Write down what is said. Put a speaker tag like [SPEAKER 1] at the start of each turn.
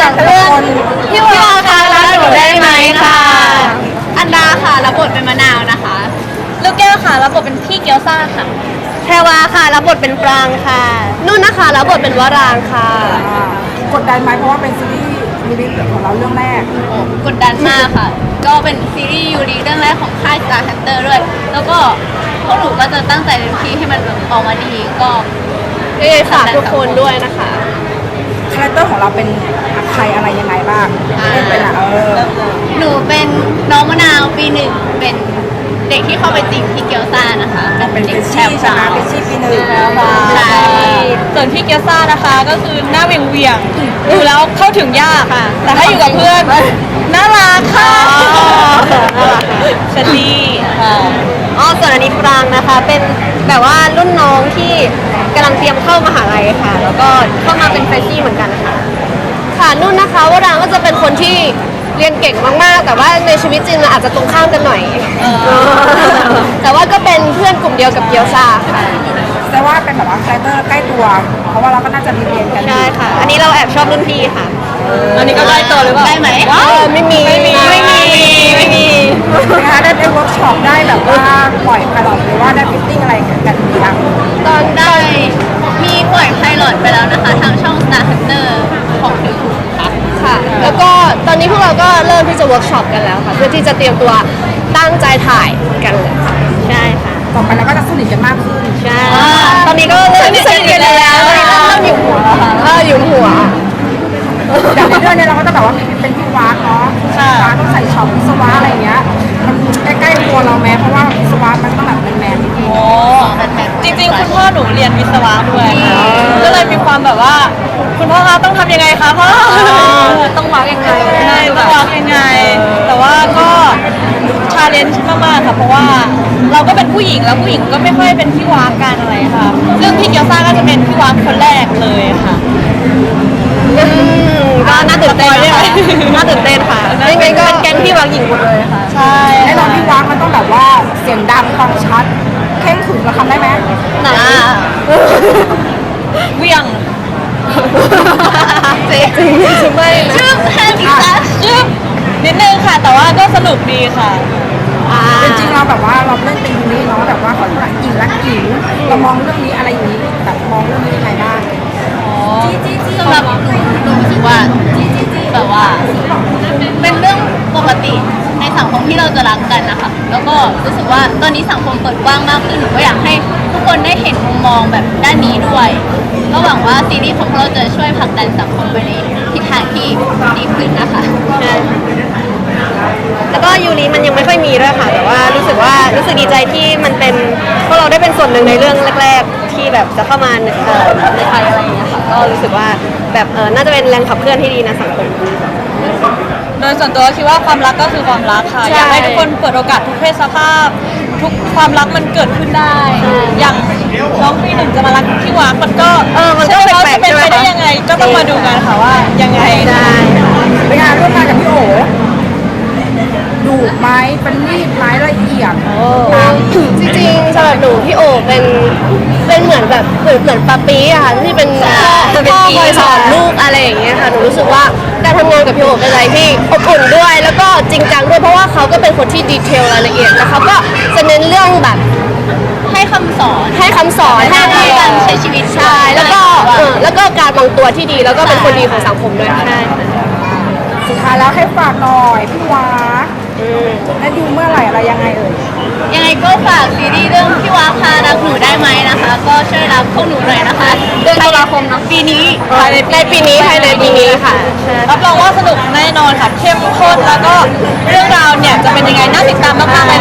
[SPEAKER 1] จากเรื่องพี่วาค่ะรักหนูได้ไหมค่ะอันดาค่ะรับบทเป็นมะนาวนะคะลูกแก้วค่ะรับบทเป็นพี่เกียวซ่าค่ะแพรวาค่ะรับบทเป็นปรางค่ะนุ่นนะคะรับบทเป็นวรางค่ะ
[SPEAKER 2] กดดันไหมเพราะว่าเป็นซีรีส์ยูริของเราเรื่องแรก
[SPEAKER 1] กดดันมากค่ะก็เป็นซีรีส์ยูริเรื่องแรกของค่าย Star Hunter ด้วยแล้วก็พวกหนูก็จะตั้งใจเต็มที่ให้มันออกมาดีก็ฝากทุกคนด้วยนะคะ
[SPEAKER 2] คาแรคเตอร์ของเราเป็นใครอะไรยังไงบ้างเล่นเป็น
[SPEAKER 1] หนูเป็นน้องมะนาวปีหนึ่งเป็นเด็กที่เข้าไปจีบพี่เกียวซ่านะคะ
[SPEAKER 2] เป็น
[SPEAKER 1] เด็ก
[SPEAKER 2] ชีใช่ไหมเป็นชีปีหนึ่ง
[SPEAKER 1] ใช่
[SPEAKER 3] ส่วนพี่เกียวซ่านะคะก็คือหน้าเวียงดูแล้วเข้าถึงยากค่ะแต่ถ้าอยู่กับเพื่อนน่ารักค่ะเชลลี่ค่ะ
[SPEAKER 1] ส่วนอันนี้ปรางนะคะเป็นแบบว่ารุ่นน้องที่กำลังเตรียมเข้ามหาลัยค่ะแล้วก็เข้ามาเป็นเฟรชชี่เหมือนกันค่ะนุ่นนะคะวรางก็จะเป็นคนที่เรียนเก่งมากๆแต่ว่าในชีวิตจริงเราอาจจะตรงข้ามกันหน่อยแต่ว่าก็เป็นเพื่อนกลุ่มเดียวกับเกียวซาค่ะ
[SPEAKER 2] แต่ว่าเป็นแบบว่าคาแรคเตอร์ใกล้ตัวเพราะว่าเราก็น่าจะเรียนกัน
[SPEAKER 1] ใช่ค่ะอันนี้เราแอบชอบรุ่นพี่ค่ะ
[SPEAKER 3] อันนี้ก็ใกล้ตัวหรือเปล่า
[SPEAKER 1] ได้ไหมไม่มี
[SPEAKER 2] นะคะได้เวิร์กช็อปได้แบบว่าปล่อยไพลอตหรือว่าได้ฟิตติ้งอะไรกันหรือยัง
[SPEAKER 1] ตอนได้มีปล่อยไพลอตไปแล้วนะคะทางช่อง Star Hunter ของYouTubeค่ะแล้วก็ตอนนี้พวกเราก็เริ่มที่จะเวิร์กช็อปกันแล้วค่ะเพื่อที่จะเตรียมตัวตั้งใจถ่ายกันเลยใช่ค่ะ
[SPEAKER 2] ต่อไปเราก็จะสนิทกันมากขึ้น
[SPEAKER 1] ใช่ตอนนี้ก็เริ่มสนิทกันแล้วเริ่มอยู่หัวค่ะอยู่หัว
[SPEAKER 2] อย่างในเรื่องนี้เราก็จะแบบว่าเป็นพี่วากเนาะวากต้องใส่ช็อปวิศวะอะไรเงี้ยมันใกล้ๆตัวเราแม้เพราะว่าวิศวะมันต้องแบบแมนๆ
[SPEAKER 3] โอ้จริงๆคุณพ่อหนูเรียนวิศวะด้วยก็เลยมีความแบบว่าคุณพ่อคะต้องทำยังไงคะพ่อ
[SPEAKER 1] ต้องวางยังไง
[SPEAKER 3] ใช่ต้องวางยังไงแต่ว่าก็ชาเลนจ์มากๆค่ะเพราะว่าเราก็เป็นผู้หญิงแล้วผู้หญิงก็ไม่ค่อยเป็นพี่วากกันอะไรค่ะซึ่งพี่เกียวซ่าก็จะเป็นพี่วากคนแรกเลยค่ะ
[SPEAKER 1] ก็น่าตื่นเต้นค่ะน่าตื่นเต้นค่ะยังไงก็เป็นแก๊งพี่วางหญิงหมดเลยค่ะ
[SPEAKER 3] ใช่
[SPEAKER 2] ไอ้ตอนพี่วางมันต้องแบบว่าเสียงดังฟังชัดเข่งขรึมเราทำได้ไหม
[SPEAKER 3] เวียง
[SPEAKER 1] จริงไม่ชื่อแค่นี้ค่ะ
[SPEAKER 3] ชื่อนิดนึงค่ะแต่ว่าก็สนุกดีค่ะ
[SPEAKER 2] จริงๆเราแบบว่าเราเล่นเป็นยูริเนาะแบบว่าเขาหลักหญิงรักหญิงเรามองเรื่องนี้อะไรอย่างนี้แบบมองเรื่องนี้ยังไงบ้าง
[SPEAKER 1] สำหรับหนูรู้สึกว่าแบบว่าเป็นเรื่องปกติในสังคมที่เราจะรักกันนะคะแล้วก็รู้สึกว่าตอนนี้สังคมเปิดกว้างมากขึ้นหนูก็อยากให้ทุกคนได้เห็นมุมมองแบบด้านนี้ด้วยก็หวังว่าซีรีส์ของเราจะช่วยผลักดันสังคมไปในทิศทางที่ดีขึ้นนะคะแล้วก็ยูริมันยังไม่ค่อยมีด้วยค่ะแต่ว่ารู้สึกดีใจที่มันเป็นพวกเราได้เป็นส่วนหนึ่งในเรื่องแรกๆที่แบบจะเข้ามาในไทยอะไรอย่างเงี้ยค่ะก็รู้สึกว่าแบบน่าจะเป็นแรงขับเคลื่อนที่ดีในสังคม
[SPEAKER 3] โดยส่วนตัวคิดว่าความรักก็คือความรักค่ะอยากให้ทุกคนเปิดโอกาสทุกเพศสภาพทุกความรักมันเกิดขึ้นได้อย่างน้องปีหนึ่งจะมารักที่วางมันก็
[SPEAKER 1] มันก็แปลกๆ
[SPEAKER 3] เป็นไปได้ยังไงก็ต้องมาดูกันค่ะว่ายังไง
[SPEAKER 1] ได้
[SPEAKER 2] เป็นงานร่วมงานกับพี่โอดูไม้เป็นมีดไม้ละเอียด
[SPEAKER 1] จริงๆสำหรับหนูพี่โอเป็นเหมือนแบบเหมือนปาปีอะค่ะที่เป็นพ่อคอยสอนลูกอะไรอย่างเงี้ยค่ะหนูรู้สึกว่าการทำงานกับพี่โอเป็นอะไรที่อบอุ่นด้วยแล้วก็จริงจังด้วยเพราะว่าเขาก็เป็นคนที่ดีเทลรายละเอียดแล้วเขาก็จะเน้นเรื่องแบบให้คำสอนให้การใช้ชีวิตใช่แล้วก็การวางตัวที่ดีแล้วก็เป็นคนดีของสังคมด้วยใช่
[SPEAKER 2] สุดท้ายแล้วให้ฝากหน่อยพี่วาได้ดูเมื่อไหร่อะไรยังไง
[SPEAKER 1] ยังไงก็ฝากซีรีส์เรื่องพี่วาพารักหนูได้ไหมนะคะก็ช่วยรับพวกหนูหน่อยนะคะเดือนตุลาคมปีนี้ในปีนี้ภายในปีนี้ค่ะ
[SPEAKER 3] รับรองว่าสนุกแน่นอนค่ะเข้มข้นแล้วก็เรื่องราวเนี่ยจะเป็นยังไงน่าติดตามมากๆ